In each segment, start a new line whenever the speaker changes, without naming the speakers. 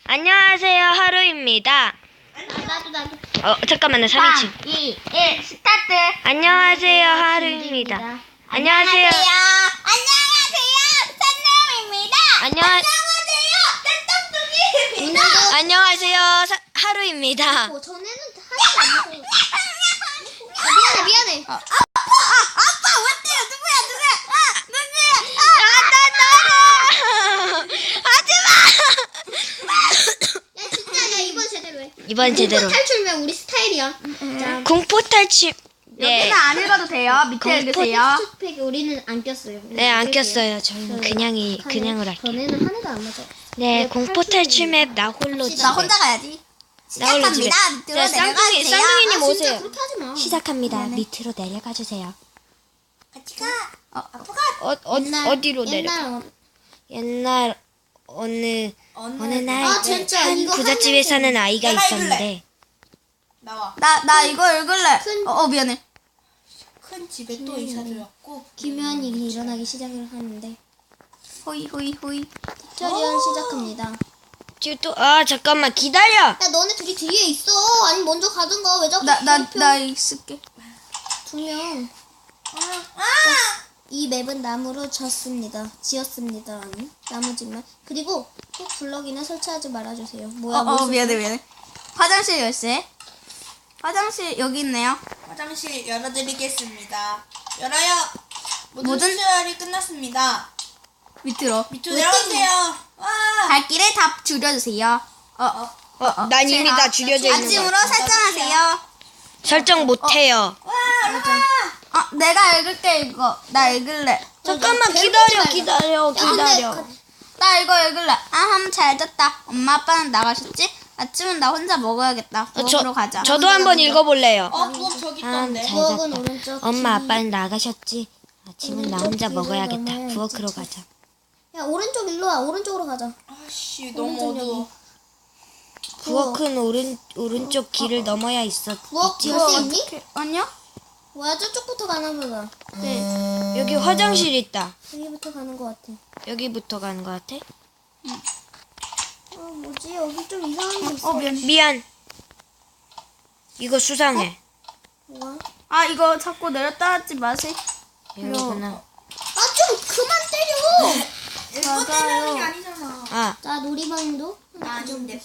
안녕하세요, 하루입니다.
나도.
잠깐만요, 3인칭.
2, 1, 스타트.
안녕하세요, 하루입니다. 안녕하세요.
선남입니다.
안녕하세요, 하루입니다.
전에는 하나도 안 먹어요. 미안해. 아빠 왔대요. 누구야? 야 진짜 이번 제대로 해.
이번 제대로.
탈출면 우리 스타일이야. 자,
공포 탈출. 네.
여기는 안 읽어도 돼요. 밑에 읽으세요.
텍스트팩 우리는 안 꼈어요.
네, 안 꼈어요. 저희는 그냥으로 할게요.
전에는 하나도 안 맞아.
네, 공포 탈출 맵 나 홀로 집에.
나 혼자 가야지.
나 홀로 집에.
밑으로
자,
내려가세요.
쌍둥이님
진짜
오세요.
그렇게 하지 마.
시작합니다.
미안해.
밑으로 내려가 주세요.
같이 가. 아빠가
어디로 내려?
옛날
옛날 어느 날
아, 진짜
한
이거
부잣집에
하면서
사는 아이가
내가
있었는데
나와.
나 이거 읽을래. 미안해.
큰 집에 또 이사 들었고.
김연이 일어나기 시작을 하는데
호이.
튜토리얼 시작합니다.
지금 잠깐만 기다려.
야 너네 둘이 뒤에 있어. 아니 먼저 가든가. 왜 자꾸
나 있을게.
2명. 이 맵은 나무로 지었습니다. 아니 나무집만. 그리고 꼭 블럭이나 설치하지 말아주세요. 뭐야? 무슨-
미안해. 화장실 열쇠. 화장실 여기 있네요.
화장실 열어드리겠습니다. 열어요. 모든
모든-
수혈이 끝났습니다.
밑으로.
밑으로 내려가세요. 와.
발길을 다 줄여주세요.
난 이미 다 줄여져 있는 거.
아침으로 설정하세요.
설정 못해요.
와, 올라가.
내가 읽을게 이거. 나 읽을래.
잠깐만
괴롭히지
기다려.
말자. 야, 근데
나 이거 읽을래. 함 잘 잤다. 엄마 아빠는 나가셨지? 아침은 나 혼자 먹어야겠다. 부엌으로 가자.
저도 한번 읽어볼래요.
부엌 저기
아,
있던데.
잘
부엌은
잤다.
오른쪽.
엄마 아빠는 나가셨지. 아침은 나
오른쪽
혼자
길을
먹어야겠다.
넘어야지.
부엌으로 가자.
야 오른쪽 일로 와. 오른쪽으로 가자.
아씨, 너무
오른쪽
어두워.
부엌은 오른쪽 길을 넘어야 있어.
부엌
있지?
열쇠 있니?
아니요?
뭐야 저쪽부터 가나 보다.
여기 화장실 있다.
여기부터 가는 것 같아.
여기부터 가는 거 같아?
뭐지? 여기 좀 이상한 게 있어.
미안. 이거 수상해.
뭐야?
이거 자꾸 내렸다 하지 마세요.
이거구나.
아 좀 그만 때려.
이거 때리는 게 아니잖아.
자 놀이방도
아닌데.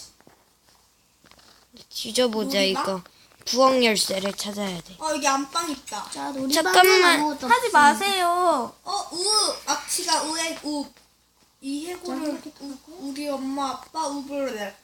뒤져보자
우리가?
이거. 부엌 열쇠를 찾아야 돼.
여기 안방 있다.
자 놀이방은
잠깐만.
아무것도
하지
없어.
마세요.
악취가 우에 우. 이 해골을 우리 엄마 아빠 우브를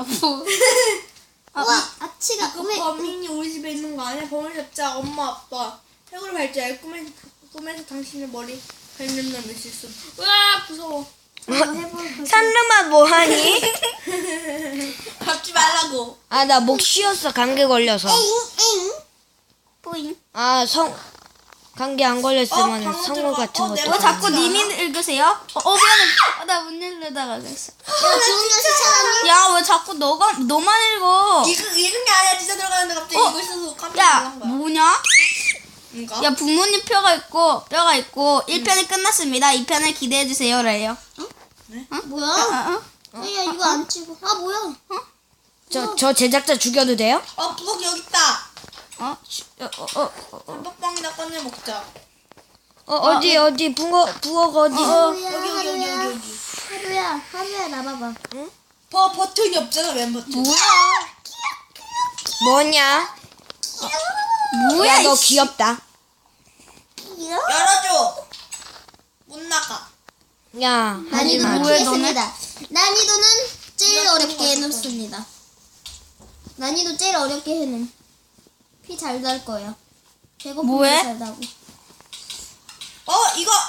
우와 아치가
그
왜?
범인이 우리 집에 있는 거 아니야? 범인 잡자 엄마 아빠 해골 발자에 꿈에서 당신의 머리 뱀념념 있을 수. 으아 무서워.
산르마 뭐하니?
잡지 말라고.
나 목 쉬었어. 감기 걸려서.
엥.
뿌잉.
감기 안 걸렸으면
방금
성우
들어가.
같은 것도.
내가
왜 자꾸
그러지
님이
않아?
읽으세요? 미안해. 나 문 열려다가 그랬어.
야 좋은 연습 찾았니?
야, 왜 자꾸 너만 읽어?
읽은 게 아니야. 진짜 들어가는데 갑자기 이거 있어서 깜짝
야,
놀란 거야.
뭐냐?
뭔가?
야, 부모님 뼈가 있고 1편이 끝났습니다. 2편을 기대해주세요. 래요.
뭐야?
어?
야 이거 안 치고. 뭐야?
저 제작자 죽여도 돼요?
부엌 여기 있다.
어?
단톡방이나 꺼내 먹자.
어디 부엌 어디?
하루야.
여기.
하루야 나봐봐.
버튼이 없잖아. 왼 버튼.
뭐냐?
뭐야,
야 너
이씨.
귀엽다.
열어줘. 못 나가.
야
난이도
하지마.
뭐해,
높이겠습니다. 난이도는 제일 어렵게 해놓습니다. 난이도 제일 어렵게 해놓음. 피 잘 달 거예요. 배고프면
뭐해?
잘 나고.
이거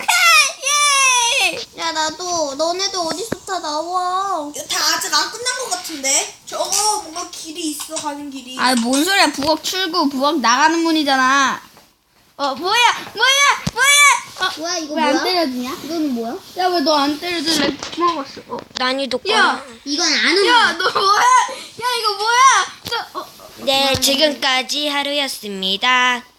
예!
야 나도 너네도 어디서 다 나와.
이거 다 아직 안 끝난 것 같은데? 저거 뭔가 길이 있어. 가는 길이.
뭔 소리야. 부엌 출구, 부엌 나가는 문이잖아. 뭐야?
뭐야 이거
왜 안
뭐야?
때려주냐?
이거는 뭐야?
야, 왜 너 안 때려줄래? 먹었어.
난이도
야!
이건 안 오는
야, 너 뭐야? 야, 이거 뭐야?
네 지금까지 하루였습니다.